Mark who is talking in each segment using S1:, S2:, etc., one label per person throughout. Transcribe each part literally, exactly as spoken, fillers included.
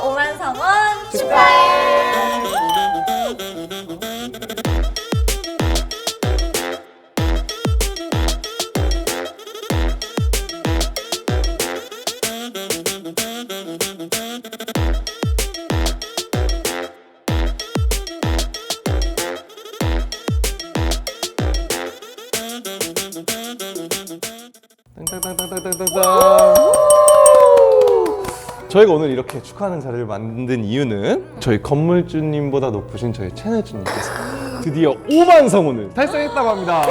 S1: 오만 성원 축하해.
S2: 땅땅땅땅땅땅땅. 저희가 오늘 이렇게 축하하는 자리를 만든 이유는 저희 건물주님보다 높으신 저희 채널주님께서 드디어 오만 성원을 달성했다고 합니다.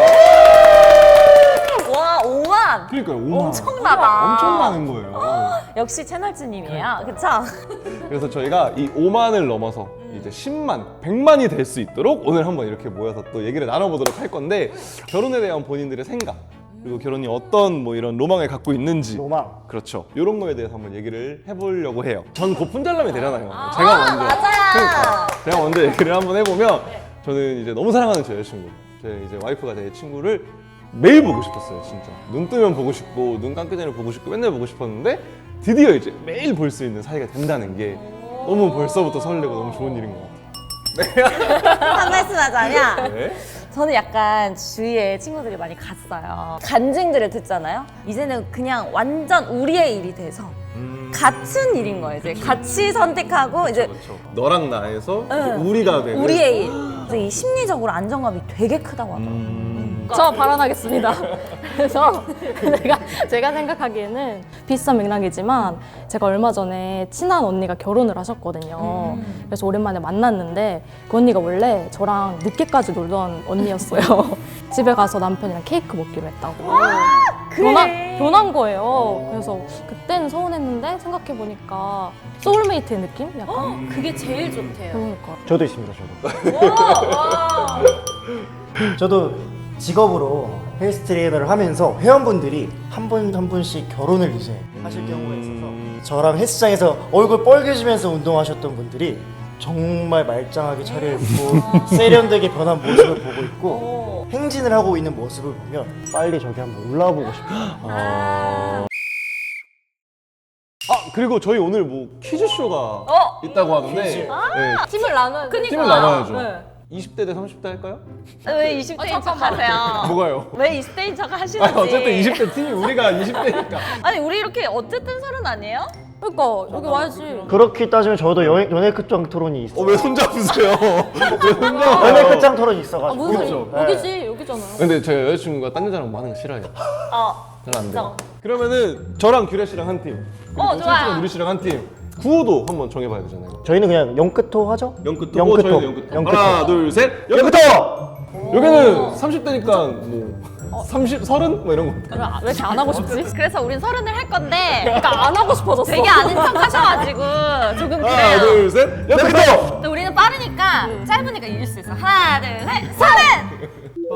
S1: 와, 오만.
S2: 그러니까요, 오만.
S1: 엄청나다.
S2: 엄청 많은 거예요.
S1: 역시 채널주님이에요. 그쵸?
S2: 그래서 저희가 이 오만을 넘어서 이제 십만, 백만이 될 수 있도록 오늘 한번 이렇게 모여서 또 얘기를 나눠보도록 할 건데, 결혼에 대한 본인들의 생각, 그리고 결혼이 어떤 뭐 이런 로망을 갖고 있는지,
S3: 로망.
S2: 그렇죠, 이런 거에 대해서 한번 얘기를 해보려고 해요. 전 곧 분잘남이 되잖아요. 제가 먼저.
S1: 맞아요.
S2: 그러니까 제가 먼저 얘기를 한번 해보면, 저는 이제 너무 사랑하는 제 여자친구, 제 이제 와이프가 제 친구를 매일 보고 싶었어요. 진짜 눈 뜨면 보고 싶고 눈 감기 전에 보고 싶고 맨날 보고 싶었는데, 드디어 이제 매일 볼 수 있는 사이가 된다는 게 너무 벌써부터 설레고 너무 좋은 일인 것 같아요.
S1: 한 말씀 하자면
S2: 네.
S1: 저는 약간 주위에 친구들이 많이 갔어요. 간증들을 듣잖아요. 이제는 그냥 완전 우리의 일이 돼서
S2: 음...
S1: 같은 일인 거예요. 이제 같이 선택하고 이제
S2: 그렇죠. 너랑 나에서 이제
S1: 응.
S2: 우리가 되는
S1: 우리의 일. 그래서 이 심리적으로 안정감이 되게 크다고 하더라고요.
S2: 음...
S4: 저 발언하겠습니다. 그래서 제가, 제가 생각하기에는 비슷한 맥락이지만 제가 얼마 전에 친한 언니가 결혼을 하셨거든요.
S1: 음.
S4: 그래서 오랜만에 만났는데 그 언니가 원래 저랑 늦게까지 놀던 언니였어요. 집에 가서 남편이랑 케이크 먹기로 했다고.
S1: 그래.
S4: 변한, 변한 거예요. 그래서 그때는 서운했는데 생각해보니까 소울메이트의 느낌? 약간?
S1: 그게 제일 좋대요.
S4: 그러니까.
S3: 저도 있습니다. 저도. 저도 직업으로 헬스 트레이너를 하면서 회원분들이 한 분 한 분씩 결혼을 이제 하실 경우가 있어서 저랑 헬스장에서 얼굴 빨개지면서 운동하셨던 분들이 정말 말짱하게 차려입고 세련되게 변한 모습을 보고 있고 행진을 하고 있는 모습을 보면 빨리 저기 한번 올라와 보고 싶어요.
S2: 아... 아 그리고 저희 오늘 뭐 퀴즈쇼가
S1: 어?
S2: 있다고 하는데,
S3: 퀴즈.
S2: 네,
S4: 팀을 나눠야 돼.
S2: 팀을 나눠야죠.
S4: 네.
S2: 이십 대 대 삼십 대 할까요?
S1: 왜 이십 대인
S4: 아,
S1: 척
S4: 잠깐만.
S1: 하세요?
S2: 뭐가요?
S1: 왜 이십 대인 척 하시는지.
S2: 아니, 어쨌든 이십 대 팀이 우리가 이십 대니까.
S1: 아니 우리 이렇게 어쨌든 서른 아니에요?
S4: 그러니까 여기 와야지.
S3: 그렇게 따지면 저도 연, 연애 끝장 토론이 있어요.
S2: 어, 왜 손잡으세요? 왜 손잡아요?
S3: 연애 끝장 토론이
S4: 아,
S3: 있어가지고.
S4: 무슨
S2: 그렇죠.
S4: 소리? 여기지, 여기잖아요.
S2: 근데 제 여자친구가 딴 여자랑 많은 거 싫어해요.
S1: 어.
S2: 잘 안 돼요. 그러면은 저랑 규래 씨랑 한 팀, 그리고
S1: 어, 좋아요.
S2: 솔직히 누리 씨랑 한 팀. 구호도 한번 정해봐야 되잖아요.
S3: 저희는 그냥 영끝토 하죠?
S2: 영끝도.
S3: 영끝토.
S2: 저희는 영끝도.
S3: 영끝토.
S2: 하나, 둘, 셋.
S3: 영끝토!
S2: 여기는 삼십 대니까 뭐 삼십, 서른 뭐 이런 거.
S4: 왜 이렇게 안 하고 싶지?
S1: 그래서 우린 서른을 할 건데
S4: 그러니까 안 하고 싶어졌어.
S1: 되게 아는 척 하셔가지고 조금
S2: 하나,
S1: 그래요.
S2: 둘, 셋. 영끝도.
S1: 근데 우리는 빠르니까 짧으니까 이길 수 있어. 하나, 둘, 셋. 서른!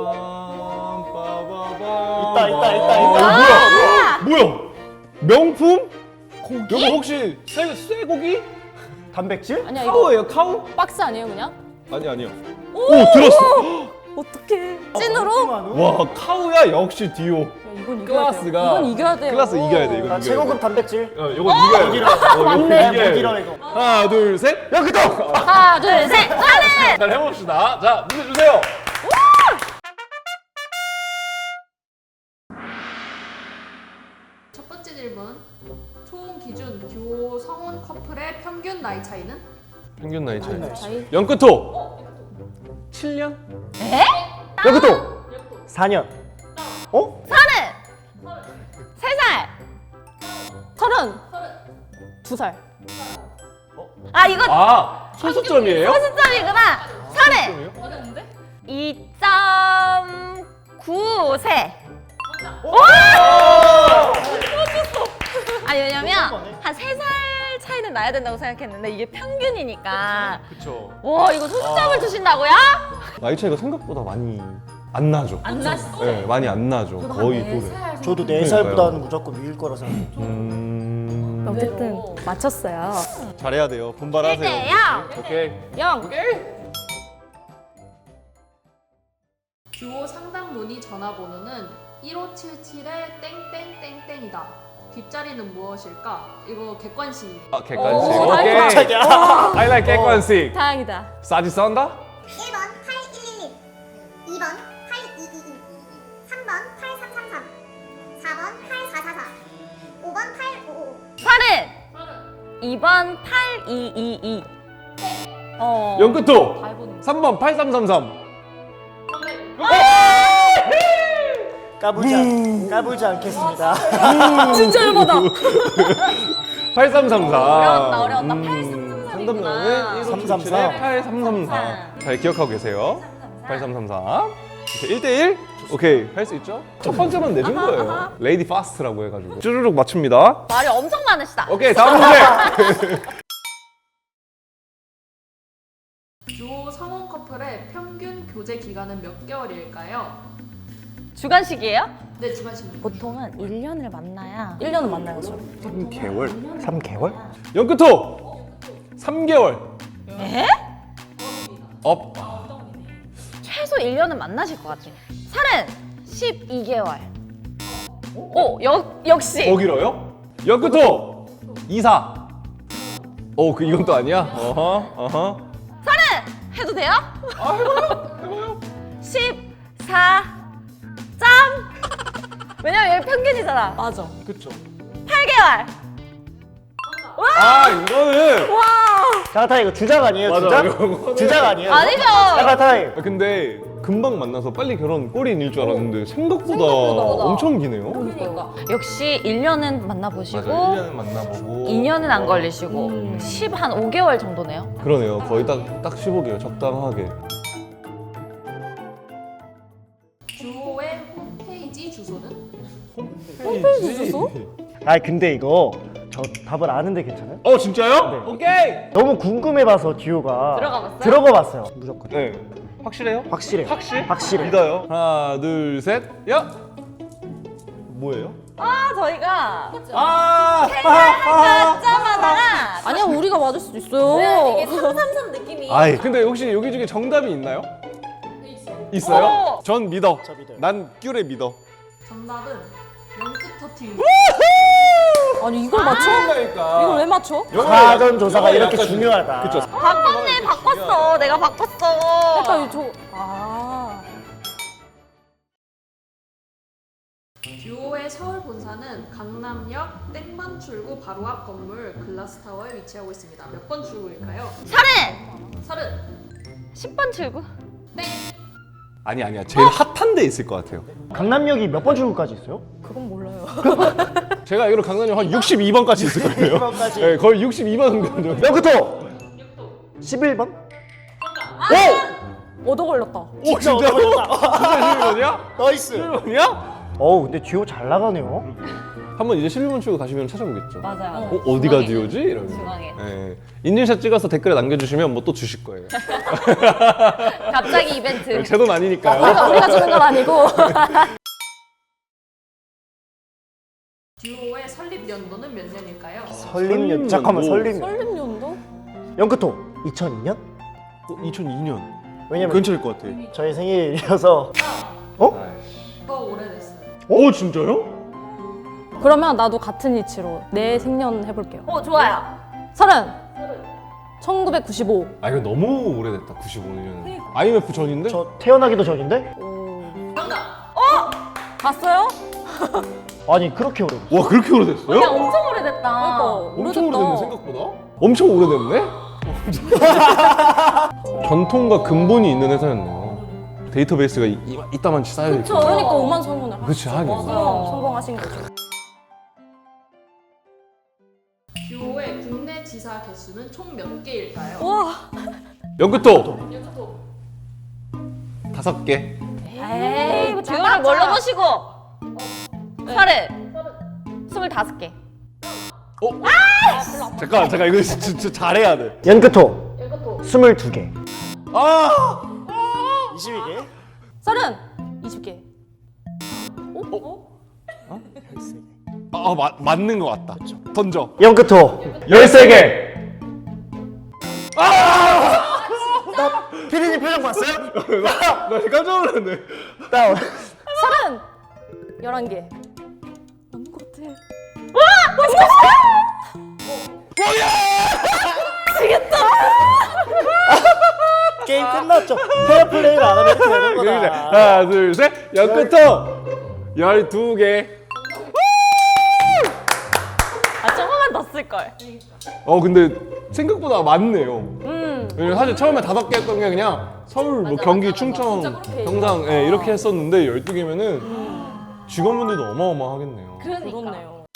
S3: 있다, 있다, 있다, 있다.
S1: 아!
S2: 뭐야? 뭐야? 명품? 고기? 이거 혹시 쇠, 쇠고기?
S3: 단백질?
S4: 아니야, 이거
S2: 카우예요, 카우?
S4: 박스 아니에요, 그냥?
S2: 아니, 아니요. 오, 들었어.
S4: 어떡해. 찐으로?
S2: 와, 카우야 역시 디오.
S4: 야, 이건 이겨야 돼요.
S2: 클라스가.
S4: 이건 이겨야 돼요.
S2: 클라스 이겨야 돼, 이거.
S3: 나 최고급 단백질.
S2: 어, 이거 이겨야 돼. 어, 이거
S4: 맞네.
S2: 이겨야 돼.
S3: 무기라 이거.
S2: 하나, 둘, 셋. 영끝도.
S4: 하나, 둘, 셋.
S1: 서른!
S2: 잘 해봅시다. 자, 문제 주세요.
S5: 첫 번째 질문. 총 기준 듀오 성원 커플의 평균 나이 차이는?
S2: 평균 나이 차이.
S4: 차이?
S2: 영끝도. 칠 년?
S3: 영끝토! 사 년. 어?
S1: 서른! 세 살!
S4: 서른. 두 살.
S1: 아 이거
S2: 아, 소수점이에요?
S1: 소수점이구나. 서른!
S2: 소수점이요?
S1: 이 점 구 세. 아니 왜냐면 한 세 살 차이는 나야 된다고 생각했는데 이게 평균이니까.
S2: 그쵸.
S1: 와 이거 소수점을 주신다고요?
S2: 나이 차이가 생각보다 많이 안 나죠.
S1: 안 났어.
S2: 네, 많이 안 나죠. 거의 또래.
S3: 저도 네 살보다는 무조건 위일 거라 생각해요.
S2: 음...
S4: 어쨌든 맞췄어요.
S2: 잘해야 돼요. 분발하세요.
S1: 일 대 영.
S2: 오케이.
S4: 영.
S2: 오케이.
S5: 듀오 상담 문의 전화번호는 일오칠칠 땡땡땡땡이다. 뒷자리는 무엇일까? 이거 객관식.
S2: 아, 객관식.
S4: 오,
S2: 오케이.
S3: 깜짝이야.
S2: I like 객관식.
S4: 다행이다.
S2: 싸지 썬다?
S6: 일 번 팔일일일, 이 번 팔이이이이, 삼 번 팔삼삼삼, 사 번 팔사사사, 오 번 팔오오오.
S1: 서른. 이 번 팔이이이. 어.
S2: 연끝도
S4: 다 해보는 거.
S2: 삼 번 팔삼삼삼.
S3: 까불지, 않, 까불지 않겠습니다.
S4: 진짜 열받아.
S2: 팔삼삼사.
S1: 어려웠다, 어려웠다.
S2: 음,
S1: 팔삼삼삼이구나.
S2: 상담면은
S3: 삼삼사.
S2: 팔삼삼사. 잘 기억하고 계세요. 팔삼삼사. 이렇게 일 대 일? 오케이, 할 수 있죠? 첫 번째만 내준 거예요. 레이디 파스트라고 해가지고. 쭈르륵 맞춥니다.
S1: 말이 엄청 많으시다.
S2: 오케이, 다음 문제.
S5: 듀오 성원 커플의 평균 교제 기간은 몇 개월일까요?
S1: 주간식이에요?
S5: 네, 주관식입니다.
S1: 보통은 일 년을 만나야
S4: 일 년은 만나야죠.
S2: 삼 개월.
S3: 삼 개월?
S2: 연끝호 삼 개월.
S1: 에?
S2: 업.
S1: 최소 일 년은 만나실 것 같아. 서른. 십이 개월. 오, 역, 역시.
S2: 더 길어요? 연끝호 이사. 오, 그 이건 또 아니야? 어허, 어허.
S1: 해도 돼요?
S2: 아, 해봐요, 해봐요.
S1: 십사 점. 왜냐면 여기 평균이잖아.
S4: 맞아.
S2: 그쵸.
S1: 팔 개월.
S2: 아, 이거는.
S3: 자가타이 이거 주작 아니에요?
S2: 맞아,
S3: 주작?
S2: 이거는-
S3: 주작 아니에요?
S1: 아니죠.
S3: 자가타이.
S2: 아, 근데 금방 만나서 빨리 결혼 꼴인일 줄 알았는데 생각보다,
S1: 생각보다.
S2: 엄청 기네요.
S1: 그러니까. 역시 일 년은 만나보시고
S2: 맞아, 일 년은 만나보고.
S1: 이 년은 안 걸리시고 십 한 오 개월 정도네요.
S2: 그러네요. 거의 딱, 딱 십오 개월, 적당하게.
S5: 듀오의 홈페이지 주소는?
S2: 홈페이지
S4: 주소?
S3: 아 근데 이거 저 답을 아는데 괜찮아요?
S2: 어, 진짜요?
S3: 네.
S2: 오케이!
S3: 너무 궁금해봐서 듀오가
S1: 들어가 봤어요?
S3: 들어가 봤어요. 무조건.
S2: 네. 확실해요?
S3: 확실해.
S2: 확실?
S3: 확실해.
S2: 믿어요. 하나, 둘, 셋, 야! 뭐예요?
S1: 아, 저희가
S2: 아!
S1: 짜자마자
S4: 아니야, 우리가 맞을 수도 있어요.
S1: 이게 삼삼삼 느낌이.
S2: 아이, 근데 혹시 여기 중에 정답이 있나요? 있어요?
S1: 어.
S2: 전 믿어.
S3: 저 믿어요.
S2: 난 큐레 믿어.
S5: 정답은 연끝 터팅.
S4: 아니, 이걸 맞춰?
S2: 그러니까.
S4: 이걸 왜 맞춰?
S3: 사전 조사가 이렇게 중요하다.
S2: 그쵸.
S1: 바꿨네, 바꿨어. 내가 바꿨어.
S4: 그러니까 저 아.
S5: 듀오의 서울 본사는 강남역 땡만 출구 바로 앞 건물 글라스타워에 위치하고 있습니다. 몇 번 출구일까요?
S1: 서른.
S5: 서른.
S1: 십 번 출구.
S5: 땡.
S2: 아니, 아니야. 제일 핫한 데 있을 것 같아요.
S3: 강남역이 몇 번 출구까지 있어요?
S4: 그건 몰라요.
S2: 제가 알기로 강남역 한 육십이 번까지 있을 거예요.
S3: 육십이 번까지.
S2: 네, 거의 육십이 번 정도.
S3: 몇부터? 십일 번?
S4: 얻어 걸렸다.
S2: 오, 진짜? 진짜 십일 번이야?
S3: 나이스.
S2: 십일 번이야?
S3: 어우 근데 듀오 잘 나가네요.
S2: 한번 이제 십일 번 출구 가시면 찾아보겠죠.
S1: 맞아요.
S2: 어, 어디가 듀오지? 이러면서.
S1: 중앙에.
S2: 네. 인증샷 찍어서 댓글에 남겨주시면 뭐 또 주실 거예요.
S1: 갑자기 이벤트.
S2: 제 돈 아니니까요.
S4: 우리가, 우리가 주는 건 아니고.
S5: 듀오의 설립 연도는 몇 년일까요?
S3: 설립년. 잠깐만 설립년.
S4: 설립년도?
S3: 연크토 이천이 년?
S2: 어, 이천이 년.
S3: 왜냐면
S2: 괜찮을 것 같아.
S3: 저희 생일이어서. 어?
S5: 더 오래됐어요.
S2: 오, 진짜요?
S4: 그러면 나도 같은 위치로 내 생년 해볼게요.
S1: 어, 좋아요.
S4: 서른. 천구백구십오.
S2: 아, 이거 너무 오래됐다. 구십오 년. 아이엠에프 전인데?
S3: 저 태어나기도 전인데?
S4: 봤어요?
S3: 아니 그렇게 오래.
S2: 와, 그렇게 오래됐어요?
S1: 그냥 엄청 오래됐다.
S4: 그러니까
S2: 엄청
S4: 오래됐다.
S2: 오래됐네, 생각보다. 엄청 오래됐네? 전통과 근본이 있는 회사였네요. 데이터베이스가 이, 이, 이따만치 쌓여있고.
S1: 그쵸.
S4: 그러니까 오만 성공을
S2: 그치, 하긴.
S4: 성공, 성공하신 거죠.
S5: 듀오의 국내 지사 개수는 총 몇 개일까요?
S4: 와.
S2: 연끝도
S5: 연끝도.
S2: 다섯 개.
S1: 에이, 듀오를 뭘로 보시고? 서른. 스물다섯 개.
S2: 잠깐, 잠깐, 이거 진짜 잘해야 돼.
S3: 연크토
S5: 연끝도.
S3: 스물두 개.
S2: 아!
S3: 이십이 개.
S4: 서른. 이십 개.
S2: 아, 마, 맞는 것 같다. 던져.
S3: 연크토
S2: 열세 개.
S3: 피디님 표정 봤어요?
S2: 나 깜짝 놀랐네.
S3: 다운.
S4: 서른. 열한 개. 맞는 것 같아.
S3: 게임 끝났죠. 페어 플레이를 안 하면 이렇게 되는
S2: 그러니까
S3: 거다.
S2: 하나 둘셋 연끝통 열두 개.
S1: 아 조금만 더 쓸걸.
S2: 어 근데 생각보다 많네요. 왜냐면 사실 처음에 다섯 개 했던 게 그냥 서울, 뭐 경기, 충청, 경상 예, 이렇게 했었는데 열두 개면은 직원분들도 어마어마하겠네요.
S4: 그렇네요.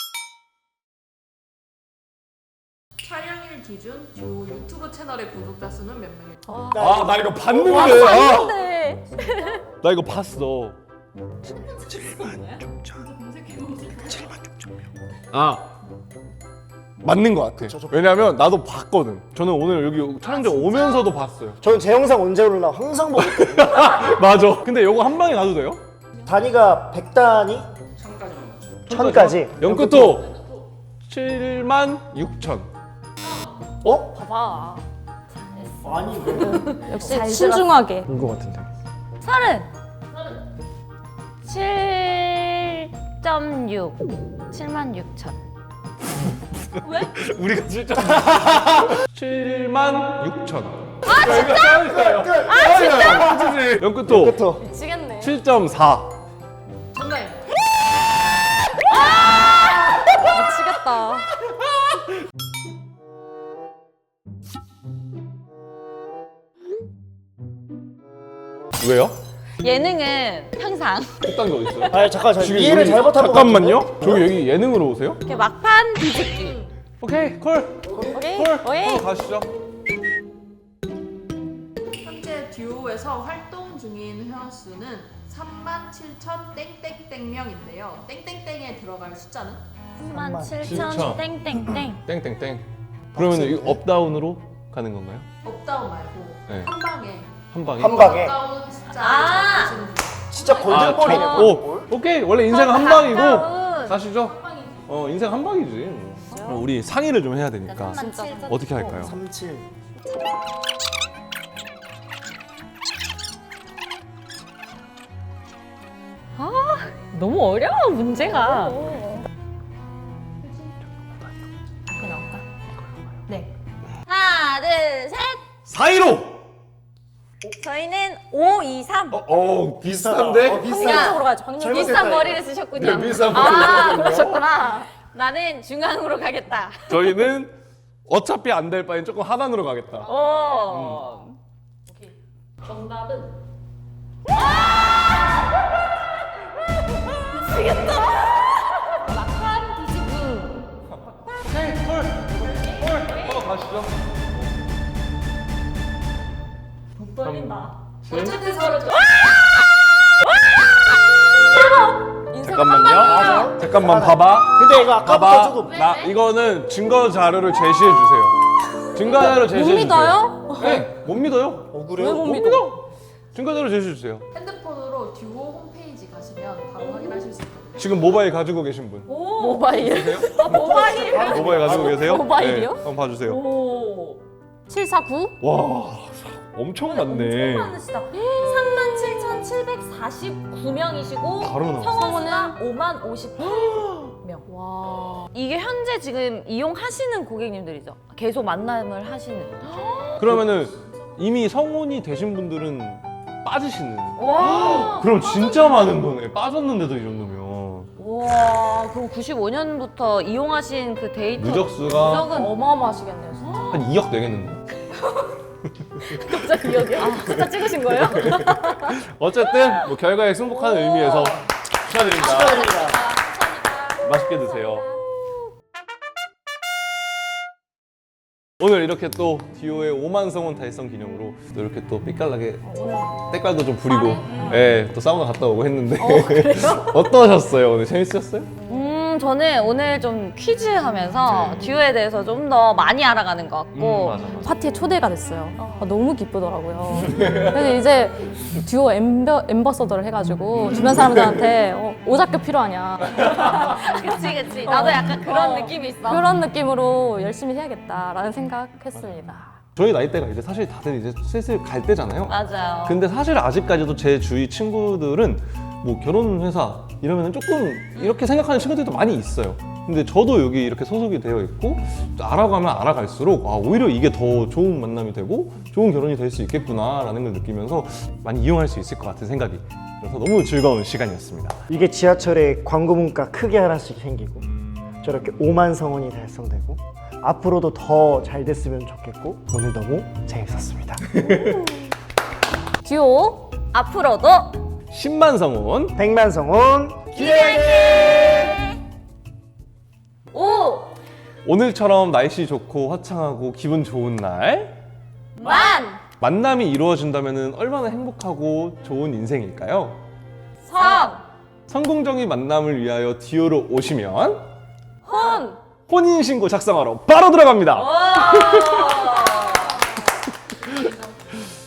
S5: 촬영일 기준 듀오 유튜브 채널의 구독자 수는 몇 명일까요?
S2: 아 나 이거 봤는데. 아,
S4: 네.
S2: 나 이거 봤어. 아 맞는 것 같아. 왜냐면 나도 봤거든. 저는 오늘 여기 촬영장 오면서도 봤어요.
S3: 저는 제 영상 언제 올라 항상 보고 있거든요.
S2: 맞아. 근데 이거 한 방에 가도 돼요?
S3: 단위가 백 단위? 천까지.
S2: 연끝도 칠만 육천.
S3: 어?
S4: 봐봐.
S3: 아니 이거
S4: 역시 신중하게.
S2: 본것 같은데.
S1: 서른. 칠 점 육. 칠만 육천.
S2: 우리가 진짜 칠만 육천. 아 진짜? 아 진짜? 연끝도
S3: 끝부터.
S4: 미치겠네.
S2: 칠 점 사.
S5: 정답입니다.
S4: 미치겠다.
S2: 왜요?
S1: 예능은 항상
S2: 그딴 게 어딨어요?
S3: 아니 잠깐 저
S2: 지금
S3: 이해를
S2: 우리-
S3: 잘못한 것
S2: 잠깐만요. 저기 여기 예능으로 오세요?
S1: 이렇게 막판 뒤집기.
S2: 오케이 콜.
S4: 오케이.
S2: 콜.
S4: 오케이.
S2: 콜 가시죠.
S5: 현재 듀오에서 활동 중인 회원 수는 삼만 칠천 땡땡땡명인데요. 땡땡땡에 들어갈 숫자는?
S1: 삼만
S2: 칠천.
S1: 칠천 땡땡땡.
S2: 땡땡땡. 그러면 이 업다운으로 가는 건가요?
S5: 업다운 말고
S2: 네.
S5: 한 방에
S2: 한 방에?
S3: 한 방에.
S5: 업다운 숫자를
S1: 아!
S5: 적으시는 분.
S3: 진짜 골든볼이네.
S2: 저-
S3: 골든볼.
S2: 오, 오케이. 원래 인생 한 방이고
S1: 가까운.
S2: 가시죠. 어, 인생 한 방이지. 그럼 우리 상의를 좀 해야 되니까
S1: 진짜.
S2: 어떻게 할까요?
S3: 삼칠.
S1: 너무 어려워 문제가. 네. 하나 둘 셋.
S2: 사이로.
S1: 저희는 오, 이, 삼.
S2: 어, 어 비슷한데?
S3: 어, 비슷한.
S4: 확률적으로 가죠. 확률.
S3: 잘못했다,
S1: 비싼
S3: 이거.
S1: 머리를 쓰셨군요.
S2: 네, 비싼
S1: 아,
S2: 머리를
S1: 그러셨구나. 나는 중앙으로 가겠다.
S2: 저희는 어차피 안 될 바엔 조금 하단으로 가겠다.
S1: 오.
S5: 정답은
S1: 막판 뒤집기.
S2: 오케이, 콜. 콜. 한번 가시죠.
S1: 못 떨린다.
S5: 어쨌든 서로
S2: 잠깐만요. 잠깐만 봐봐.
S3: 근데 이거 아까부터
S2: 봐봐.
S3: 조금
S2: 나 이거는 증거 자료를 제시해 주세요. 증거 자료를 제시해 주세요.
S4: 믿어요?
S2: 네, 못 믿어요.
S3: 억울해요.
S4: 왜 못
S2: 못
S4: 믿어?
S2: 믿어. 증거 자료 제시해 주세요.
S5: 핸드폰으로 듀오 홈페이지 가시면 바로 확인하실 수 있거든요.
S2: 지금 모바일 가지고 계신 분.
S4: 모바일.
S1: 아, 모바일.
S2: 모바일 가지고 계세요?
S4: 모바일이요?
S2: 네, 한번 봐주세요.
S1: 오.
S4: 칠사구.
S2: 와, 엄청 많네.
S1: 많으시다. 삼만 칠천칠백사십구 명이시고
S2: 바로 나왔어.
S1: 성원수가 오만 오십팔 명.
S4: 와.
S1: 이게 현재 지금 이용하시는 고객님들이죠. 계속 만남을 하시는.
S2: 그러면은 이미 성혼이 되신 분들은 빠지시는.
S1: 와.
S2: 그럼 진짜 많은 거네. 빠졌는데도 이 정도면.
S1: 와. 그럼 구십오 년부터 이용하신 그 데이터
S2: 누적수가
S1: 누적은
S4: 어마어마하시겠네요. 진짜.
S2: 한 이억 되겠는데.
S4: 갑자기 여기 숫자 찍으신 거예요?
S2: 어쨌든 뭐 결과에 승복하는 의미에서 축하드립니다.
S3: 축하드립니다.
S2: 맛있게 드세요. 오늘 이렇게 또 디오의 오만 성원 달성 기념으로 또 이렇게 또 삐깔나게 때깔도 좀 부리고 예, 또 사우나 갔다 오고 했는데 어떠셨어요? 오늘 재밌으셨어요?
S1: 음, 저는 오늘 좀 퀴즈 하면서 듀오에 대해서 좀 더 많이 알아가는 것 같고
S2: 음, 맞아, 맞아.
S4: 파티에 초대가 됐어요. 아, 너무 기쁘더라고요. 그래서 이제 듀오 엠버, 엠버서더를 해가지고 주변 사람들한테 어, 오작교 필요하냐
S1: 그치 그치 나도 약간 그런 느낌이 있어.
S4: 그런 느낌으로 열심히 해야겠다라는 생각했습니다.
S2: 저희 나이대가 이제 사실 다들 이제 슬슬 갈 때잖아요.
S1: 맞아요.
S2: 근데 사실 아직까지도 제 주위 친구들은 뭐 결혼 회사 이러면 조금 이렇게 생각하는 친구들도 많이 있어요. 근데 저도 여기 이렇게 소속이 되어 있고 알아가면 알아갈수록 아, 오히려 이게 더 좋은 만남이 되고 좋은 결혼이 될 수 있겠구나라는 걸 느끼면서 많이 이용할 수 있을 것 같은 생각이 들어서 너무 즐거운 시간이었습니다.
S3: 이게 지하철에 광고 문가 크게 하나씩 생기고 저렇게 오만 성원이 달성되고 앞으로도 더 잘 됐으면 좋겠고 오늘 너무 재밌었습니다.
S1: 듀오 앞으로도
S2: 십만 성원
S3: 백만 성원
S1: 오
S2: 오늘처럼 날씨 좋고 화창하고 기분 좋은 날
S1: 만
S2: 만남이 이루어진다면 얼마나 행복하고 좋은 인생일까요?
S1: 성
S2: 성공적인 만남을 위하여 듀오로 오시면
S1: 혼
S2: 혼인신고 작성하러 바로 들어갑니다.
S1: 오